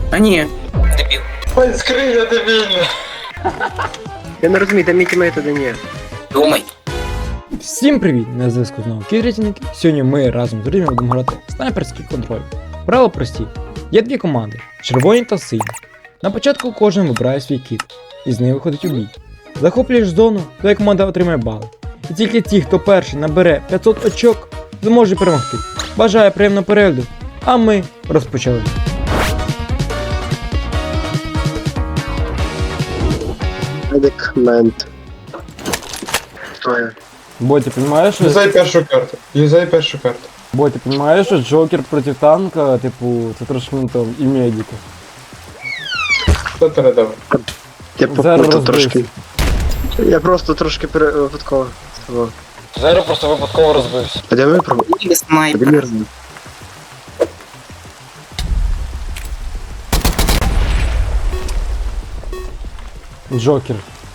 А ні, дебіл. Ой, скриня дебільна. Я не розумію, де мій тімейт, а де ні. Думай. Всім привіт! На зв'язку знову Кідрітінг. Сьогодні ми разом з друзями будемо грати в снайперський контроль. Правила прості. Є дві команди червоні та сині. На початку кожен вибирає свій кіт, і з нею виходить у бій. Захоплюєш зону, твоя команда отримає бали. І тільки ті, хто перший набере 500 очок, зможе перемогти. Бажаю приємного перегляду, а ми розпочали. Медикмент. Хто я? Бо ти розумієш, що... Юзай першу карту. Юзай першу карту. Бо ти розумієш, що Джокер проти танка, типу, це трошки не то, і медика. Хто передав? Я Зараз попутав розбився. трошки. Я просто трошки випадково. Того. Зеро просто випадково розбився. А де ми пробували? Ні, снайпер. Білірний. Джокер.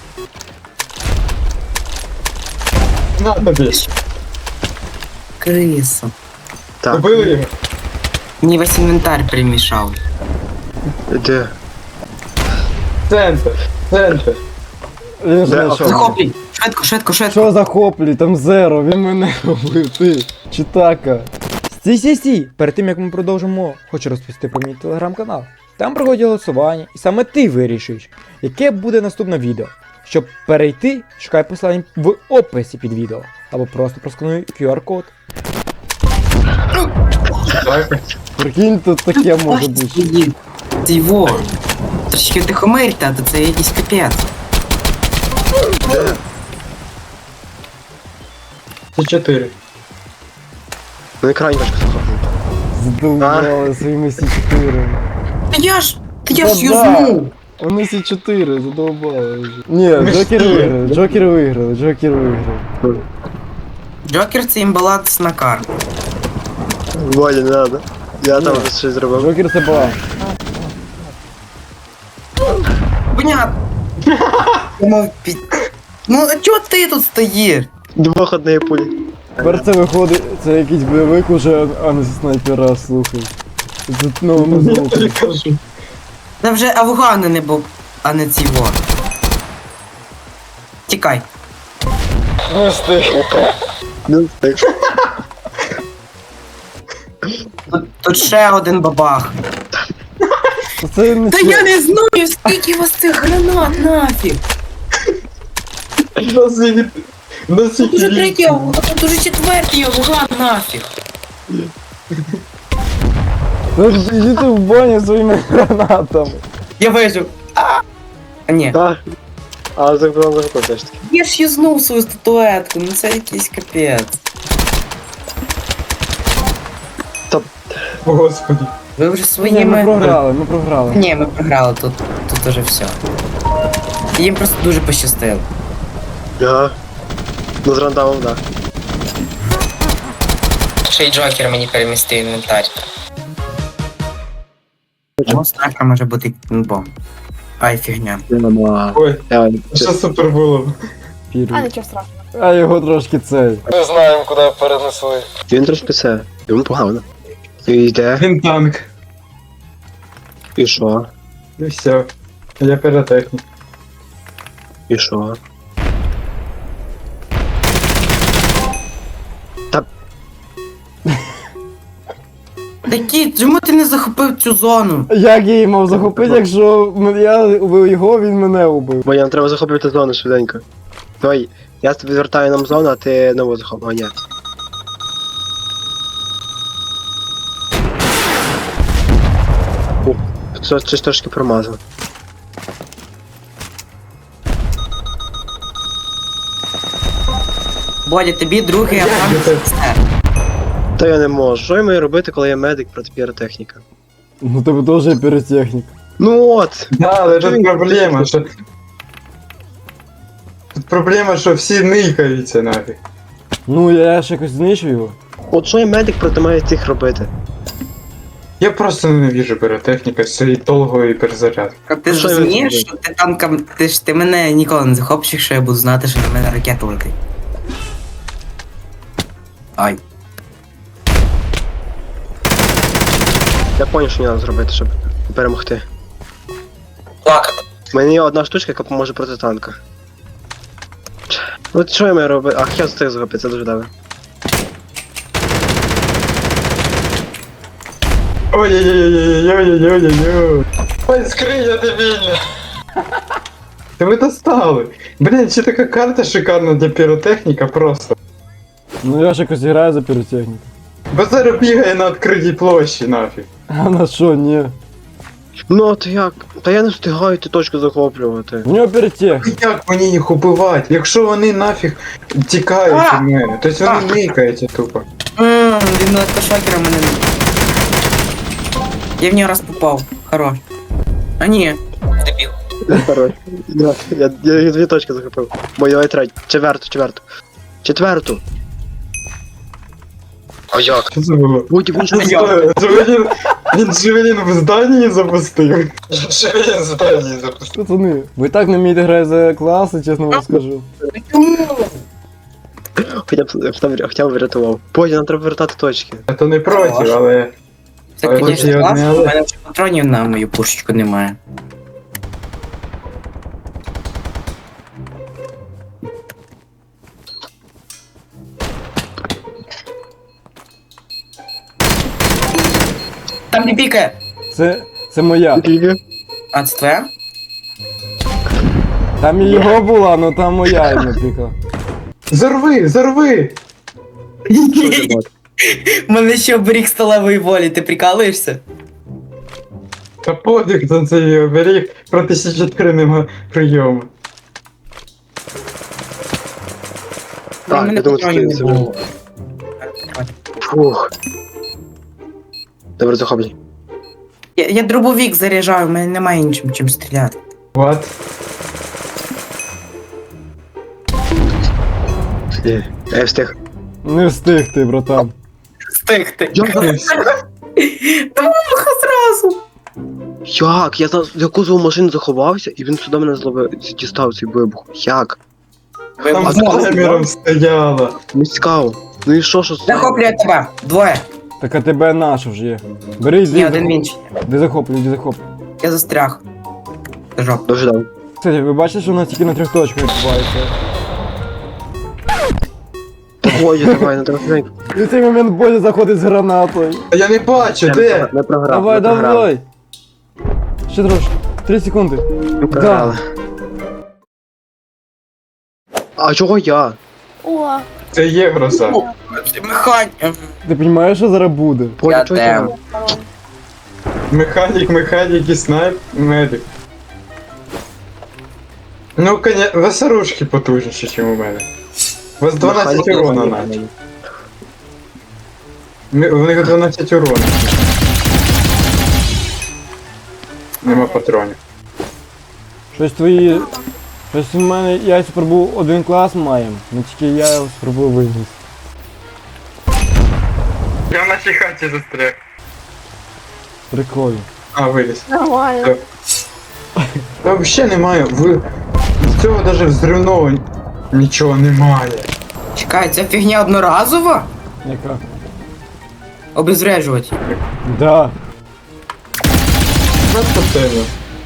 На тобі. Криса. Так. Убили його? Мені весь інвентар перемішав. Де? Центр. Центр. Він Де? знайшов. Захоплюй! Швидко, швидко, швидко. Що захоплюй, там Зеро, він мене робив, ти, читака. Стій. Перед тим як ми продовжимо, хочу розповісти про мій телеграм-канал. Там проходять голосування, і саме ти вирішиш, яке буде наступне відео. Щоб перейти, шукай посилання в описі під відео, або просто проскануй QR-код. Так. Прикинь, тут таке може бути. Це його. Трошки тихомирте, а то це якийсь капець. Це 4. На екрані важко захопити. Задовбали своїми Сі4. Та я ж Да. юзнув. Вони Сі4, задовбали вже. Ні, Джокер виграли. Джокер це імбаланс на карту. Волі, не надо. Я там вже щось зробив. Джокер це була. Понятно. Ну, а чого ти тут стоїш? Двох однієї пулі. Тепер це виходить, це якийсь бойовик уже, а не снайпера, слухай. Це новому Я звуку. тобі кажу. Та вже Афгани не був, а не ці во. Тікай. Не встиг. Ну, так. Тут ще один бабах. Це не Та я не знаю, скільки у вас цих гранат нафіг. Нас їх... Нас їх Уже їх- третій, а тут уже четвертий Афган нафіг. Іди ти в баню своїми гранатами. Я вижив. А ні. Так. А захопив теж таки. Я ж юзнув свою статуетку, ну це якийсь капець. О, Господи. Ви вже Ні, своїми... ми програли. Ні, ми програли, тут уже все. Їм просто дуже пощастило. Ага. Ну з рандомом, да. Ще й Джокер мені перемістив інвентар. Ну, страшно може бути бомб. Ай, фігня. Ой, що супер було? Пірю. А, нічого страшного. А його трошки цей. Не знаємо, куди перенесли. Він трошки це. Йому погано. І йде. Він танк. І що? І все. Я піротехнік. І що? Такі, чому ти не захопив цю зону? Як я її мав захопити, якщо я убив його, він мене убив. Бо нам треба захоплювати зону швиденько. Давай, я тобі звертаю нам зону, а ти нову захоплюй. А, ні. Щось трошки промазав. Бодя, тобі другий Афган все. Та я не можу. Що я маю робити, коли я медик проти піротехніка? Ну тебе теж є піротехнік. Ну от! Да, але тут проблема, що... Тут проблема, що всі никаються нафіг. Ну я ж якось знищу його. От що я медик проти має цих робити? Я просто ненавижу піротехніка з цією толгою перезарядкою. А ти ж Що я розумієш, зроблю? що ти танком, ти мене ніколи не захопиш, якщо я буду знати, що на мене ракета летить. Ай. Я поняв, що мені треба зробити, щоб перемогти. Так. У мене є одна штучка, яка поможе проти танка. От що я маю робити? Ах, я встиг зробити, це дуже добре. Ой-ой-ой-ой-ой-ой-ой-ой. Ой, скриня дебільна. Та ви достали. Блін, ще така карта шикарна для піротехніка просто. Ну я ж якось граю за піротехніку. Базар бігає на відкритій площі нафіг. А на що, ні? Ну от як? Та я не встигаю ті точки захоплювати. В нього піротехніка. Як мені їх убивати? Якщо вони нафіг тікають від мене, тобто вони никаються тупо. Він на кошакера мене. Я в нього раз попав. Хорош. А ні. Дебіл. Хорош. Я дві точки захопив. Бо я третю. Четверту. А як? Що це було? Будь він що Він Джевелін в зданні запустив. Джевелін в зданні запустив. Пацани, ви так не вмієте грати за класи, чесно вам скажу. Хоча б врятував. Потім нам треба вертати точки. Я то не проти, але... Це, Але звісно, я класно, одне- у мене вже патронів на мою пушечку немає. Там не пікає! Це моя. Скільки? А, це твоя? Там і його була, але там моя йому піка. Зарви! У мене ще оберіг сталевої волі, ти прикалуєшся? Та подих за цей оберіг проти Сі-4 нема прийому. У Так, мене я думаю, патронів це не вже. було. Фух. Добре, захоплюй. Я дробовик заряджаю, у мене немає нічим чим стріляти. What? Я встиг. Не встиг ти, братан. Стихти. Як? Та муха зразу. Як? Я за кузову машини заховався, і він сюди мене зловив, дістав цей вибух. Як? Там з Вибух. камером стояла. Не цікаво. Ну і що? Захоплює тебе. Двоє. Так а тебе наш вже є. Бери, Ні, йди, один інший. де захоплюй, іди захоплюй. Я застряг. Жоп. Дуже добре. Кстати, ви бачите, що у нас тільки на 3 точках відбувається? Ой, давай, не трохи. І в цей момент Бодя заходить з гранатою. Та я не бачу, де? Не програв. Давай, не програв. давай! Ще трошки. 3 секунди. Не програли. А чого я? О, Це є гроза. Механь. Ти розумієш, що зараз буде? Поля, чого я? Механік і снайп, медик. Ну, конечно, вас оружки потужніші, ніж у мене. У вас 12 урона навіть. У них 12 урона. Нема патронів. Щось твої... Щось у мене я спробував один клас маємо, але тільки я його спробував вигнати. Я в нашій хаті застряг. Прикольно. А, виліз. нормально. Та взагалі немає, з цього навіть взривного нічого немає. Чекай, ця фігня одноразова? Яка? Обезврежувати. Да. Просто темно.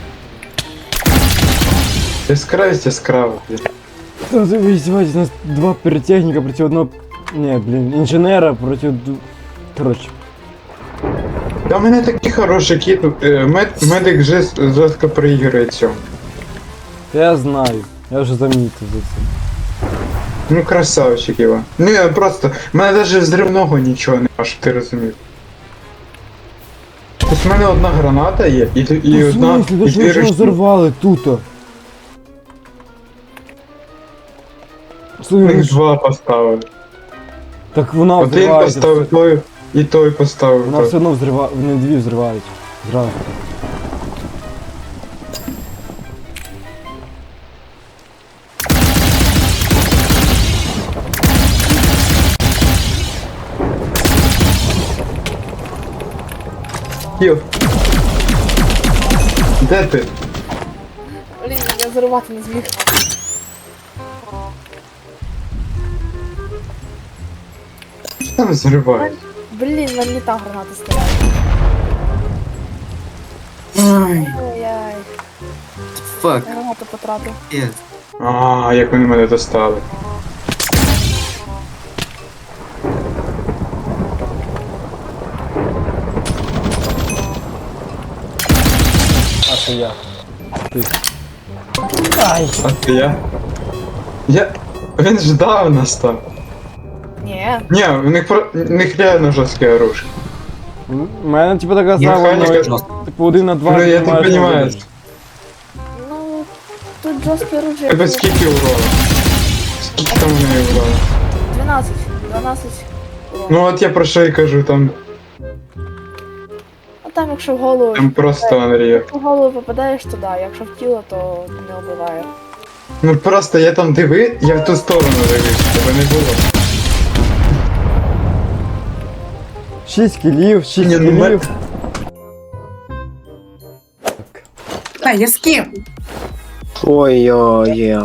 Яскраво, блін. Та ви издеваетесь, у нас 2 піротехніка проти одного... Не, блін, інженера проти... Коротше. Та у мене такий хороший кіт, медик жорстко проігрує цьому. Та я знаю, я вже замітив за це. Ну красавчик його. Ну я просто, в мене навіть взривного нічого нема, щоб ти розумів. Тобто в мене одна граната є, і Ну, в одна, смислі, ви і ж дві нічого ручки. взорвали тут. Їх Слухай, два поставили. так вона Один взривається. поставив той, і той поставив Вона той. все одно взриває, вони дві взривають. Зразу. Кіл. Де ти? Блін, я зарувати не зміг. Що там зриває? Блін, мені та граната стріляє. Ай, Ой-яй. фак. Гранату потратив. Є. А, як вони мене достали. А це я. Ти. Ай! А це я? Він ждав нас там. Ні. Ні, в них реально жорстке оружие. У мене типу така сама, Механіка ну, типу 1 на 2. Ну я так розумію. Ну, тут жорстке оружие. Тебе скільки урона? Скільки там у неї урона? 12. 12. Ну от я про що й кажу, там А там якщо в голову. просто Unreal. Якщо в голову попадаєш, то да, якщо в тіло, то не вбиває. Ну просто я там я в ту сторону дивився, тебе не було. 6 кілів, 6 Ні, ну, кілів. Та, я з ким? Ой-ой-ой.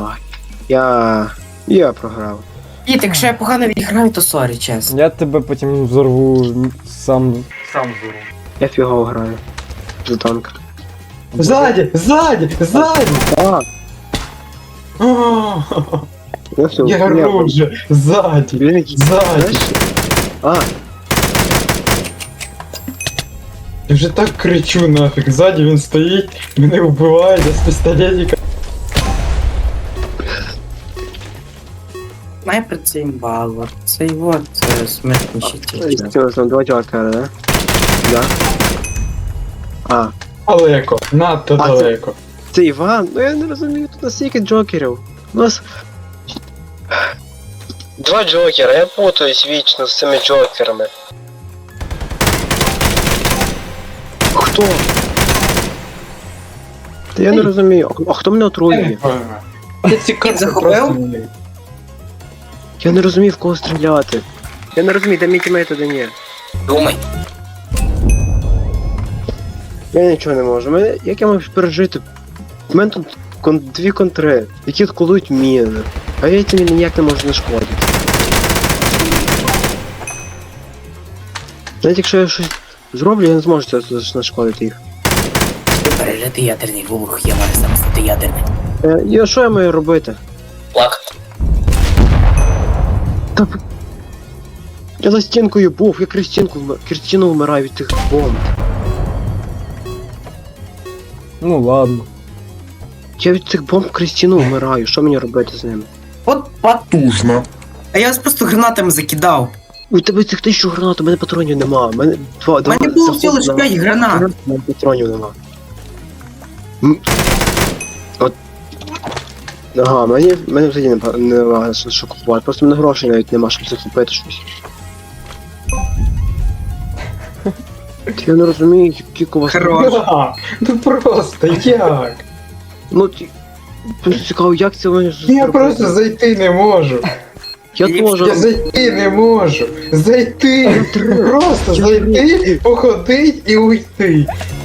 Я програв. І, якщо я погано відіграю, то сорі, чесно. Я тебе потім взорву сам взорву. Я фігово граю. За танк. Ззаді! Ззаді! Ззаді! А, А, я все. Я ору вже! Ззаді! Він якийсь. Ззаді! Знаєш? А, Я вже так кричу нафіг, ззаді він стоїть, мене вбиває, я з пістолетика. Снайпер це імбалва. Це його, це смертніші тільки. цього там 2 джокера, да? Да. А, Далеко, надто А, це- далеко. це Іван? Ну я не розумію, тут настільки джокерів. У нас. 2 джокера, я путаюсь вічно з цими джокерами. Хто? Та я не розумію, а хто мене Я не отруює? пойму. Я ці карти захопив? просто не люблю. Я не розумію, в кого стріляти. Я не розумію, де мій тімейт, а де ні. Думай. Я нічого не можу. Як я можу пережити? У мене тут 2 контри, які колують міни. А я ці міни ніяк не можу знешкодити. Навіть якщо я щось зроблю, я не зможу це знешкодити їх. Пережити ядерний вибух, я маю сам стати ядерним. І що я маю робити? Плакати. Та... Я за стінкою був, я крізь стіну вмираю від тих бомб. Ну ладно. Я від цих бомб крізь стіну вмираю, що мені робити з ними? От потужно. А я вас просто гранатами закидав. У тебе цих 1000 гранат, у мене патронів нема. У мене У мене було всього лише 5 гранат. У мене патронів нема. От. Ага, мене взагалі нема що купувати. Просто в мене грошей навіть нема, щоб це купити щось. Я не розумію, які у вас... Хорош. Да, ну просто як? Ну, просто цікаво, як це вони Я просто зайти не можу. Я теж. Я зайти не можу. Зайти. Просто зайти, походить і уйти.